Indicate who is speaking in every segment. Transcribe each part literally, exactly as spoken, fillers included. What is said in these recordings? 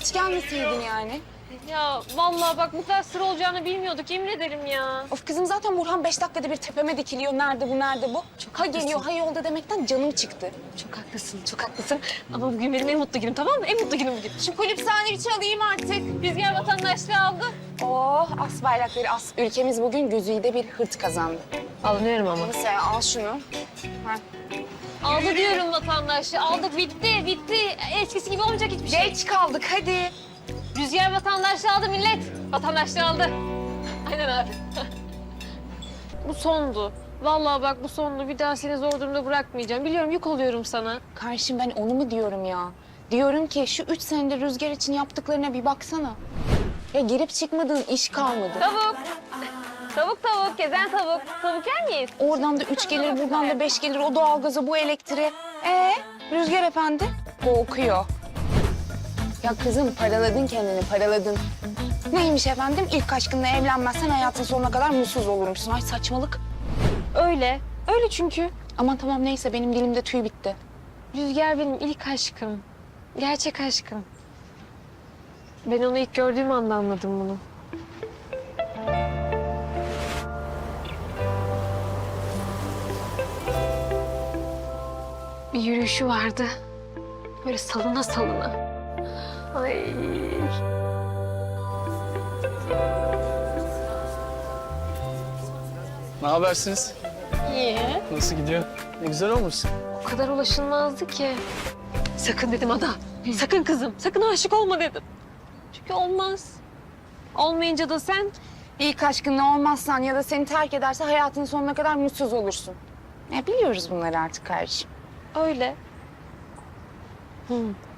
Speaker 1: Hiç gelmeseydin yani.
Speaker 2: Ya vallahi bak bu kadar sıra olacağını bilmiyorduk, yemin ederim ya.
Speaker 1: Of kızım zaten Burhan beş dakikada bir tepeme dikiliyor. Nerede bu, nerede bu?
Speaker 2: Çok
Speaker 1: ha
Speaker 2: haklısın.
Speaker 1: geliyor, ha yolda demekten canım çıktı.
Speaker 2: Çok haklısın, çok haklısın. Ama bugün benim en mutlu günüm, tamam mı? En mutlu günüm bugün.
Speaker 1: Şu kulüp sandviçi alayım artık.
Speaker 2: Rüzgar vatandaşlığı aldı.
Speaker 1: Oh, as bayrakları as. Ülkemiz bugün güzide bir hırt kazandı.
Speaker 2: Alınıyorum ama.
Speaker 1: Neyse al şunu. Ha.
Speaker 2: Aldı diyorum vatandaşlığı. Aldık, bitti, bitti. Eskisi gibi olmayacak hiçbir şey.
Speaker 1: Geç kaldık hadi.
Speaker 2: Rüzgar vatandaşlığı aldı millet. Vatandaşlığı aldı. Aynen abi. Bu sondu. Vallahi bak bu sondu. Bir daha seni zor durumda bırakmayacağım. Biliyorum yük oluyorum sana.
Speaker 1: Karşım ben onu mu diyorum ya? Diyorum ki şu üç senede Rüzgar için yaptıklarına bir baksana. Ya girip çıkmadığın iş kalmadı.
Speaker 2: Tavuk. Tavuk tavuk, gezen tavuk. Tavuk yer miyiz?
Speaker 1: Oradan da üç gelir, buradan da beş gelir. O doğalgaza, bu elektriğe. Ee, Rüzgar efendi korkuyor. Ya kızım paraladın kendini, paraladın. Neymiş efendim? İlk aşkınla evlenmezsen hayatın sonuna kadar mutsuz olurmuşsun. Ay saçmalık.
Speaker 2: Öyle. Öyle çünkü.
Speaker 1: Aman tamam neyse benim dilimde tüy bitti.
Speaker 2: Rüzgar benim ilk aşkım. Gerçek aşkım. Ben onu ilk gördüğüm anda anladım bunu. Bir yürüyüşü vardı. Böyle salına salına. Ay.
Speaker 3: Ne habersiniz?
Speaker 2: İyi.
Speaker 3: Nasıl gidiyor? Ne güzel olmuşsun.
Speaker 2: O kadar ulaşılmazdı ki. Sakın dedim Ada. Sakın kızım. Sakın aşık olma dedim. Çünkü olmaz. Olmayınca da sen
Speaker 1: İlk aşkınla olmazsan ya da seni terk ederse hayatın sonuna kadar mutsuz olursun. Ya biliyoruz bunları artık kardeşim.
Speaker 2: öyle. Hı.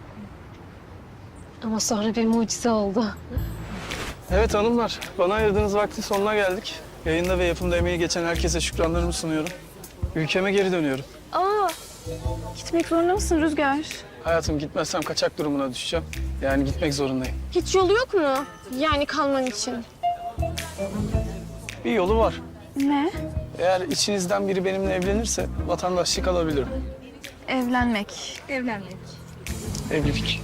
Speaker 2: Ama sonra bir mucize oldu.
Speaker 3: Evet hanımlar, bana ayırdığınız vaktin sonuna geldik. Yayında ve yapımda emeği geçen herkese şükranlarımı sunuyorum. Ülkeme geri dönüyorum.
Speaker 2: Aa,
Speaker 1: Gitmek zorunda mısın Rüzgar?
Speaker 3: Hayatım gitmezsem kaçak durumuna düşeceğim. Yani gitmek zorundayım.
Speaker 2: hiç yolu yok mu? Yani kalman için.
Speaker 3: Bir yolu var.
Speaker 1: Ne?
Speaker 3: Eğer içinizden biri benimle evlenirse vatandaşlık alabilirim.
Speaker 1: Evlenmek. Evlenmek.
Speaker 3: Evlilik.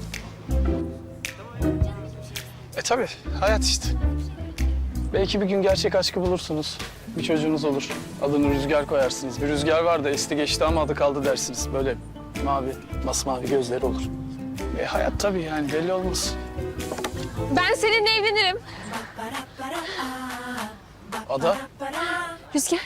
Speaker 3: E tabii, hayat işte. Belki bir gün gerçek aşkı bulursunuz. Bir çocuğunuz olur. Adını Rüzgar koyarsınız. Bir rüzgar var da esti geçti ama adı kaldı dersiniz. Böyle mavi, masmavi gözleri olur. E hayat tabii yani belli olmaz.
Speaker 2: Ben seninle evlenirim.
Speaker 3: Ada,
Speaker 2: Rüzgar.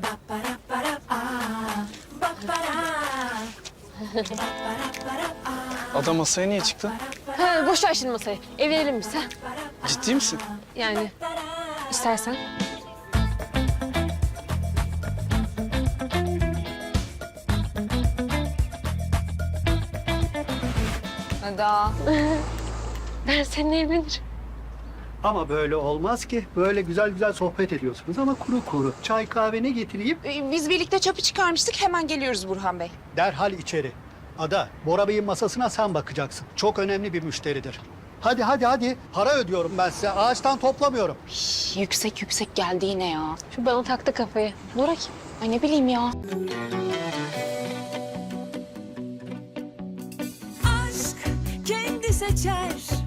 Speaker 3: Ada masaya niye çıktı?
Speaker 2: Ha, boş ver şimdi masayı. Evlenelim biz ha.
Speaker 3: Ciddi misin?
Speaker 2: Yani istersen.
Speaker 1: Ada.
Speaker 2: Ben seninle evlenirim.
Speaker 4: Ama böyle olmaz ki. Böyle güzel güzel sohbet ediyorsunuz ama kuru kuru. Çay kahve ne getireyim?
Speaker 1: Ee, Biz birlikte çöpü çıkarmıştık. Hemen geliyoruz Burhan Bey.
Speaker 4: Derhal içeri. Ada, Bora Bey'in masasına sen bakacaksın. Çok önemli bir müşteridir. Hadi hadi hadi. Para ödüyorum ben size. Ağaçtan toplamıyorum.
Speaker 1: Şş, yüksek yüksek geldi yine ya.
Speaker 2: Şu bana taktı kafayı. Bora kim?
Speaker 1: Ay ne bileyim ya.
Speaker 5: aşk kendi seçer